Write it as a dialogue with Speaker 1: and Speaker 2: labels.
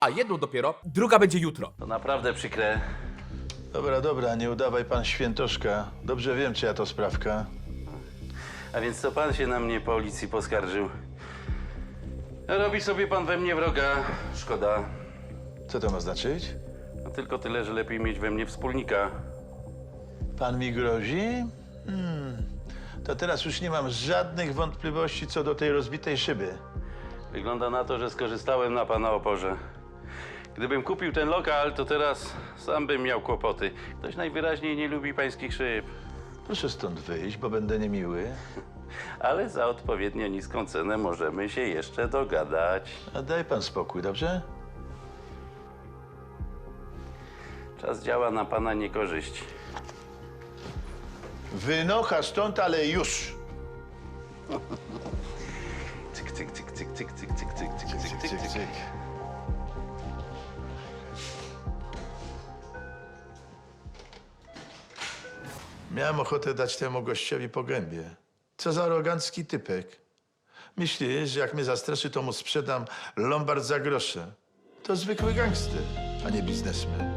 Speaker 1: a jedną dopiero, druga będzie jutro.
Speaker 2: To naprawdę przykre.
Speaker 3: Dobra, nie udawaj pan świętoszka. Dobrze wiem, czyja to sprawka.
Speaker 2: A więc to pan się na mnie policji poskarżył. Robi sobie pan we mnie wroga. Szkoda.
Speaker 3: Co to ma znaczyć?
Speaker 2: No tylko tyle, że lepiej mieć we mnie wspólnika.
Speaker 3: Pan mi grozi? To teraz już nie mam żadnych wątpliwości co do tej rozbitej szyby.
Speaker 2: Wygląda na to, że skorzystałem na pana oporze. Gdybym kupił ten lokal, to teraz sam bym miał kłopoty. Ktoś najwyraźniej nie lubi pańskich szyb.
Speaker 3: Proszę stąd wyjść, bo będę niemiły.
Speaker 2: Ale za odpowiednio niską cenę możemy się jeszcze dogadać.
Speaker 3: A daj pan spokój, dobrze?
Speaker 2: Czas działa na pana niekorzyść.
Speaker 3: Wynocha stąd, ale już!
Speaker 2: Cyk, cyk, cyk, cyk, cyk, cyk, cyk, cyk, cyk, cyk, cyk, cyk.
Speaker 3: Miałem ochotę dać temu gościowi po gębie. Co za arogancki typek. Myśli, że jak mnie zastraszy, to mu sprzedam lombard za grosze. To zwykły gangster, a nie biznesmen.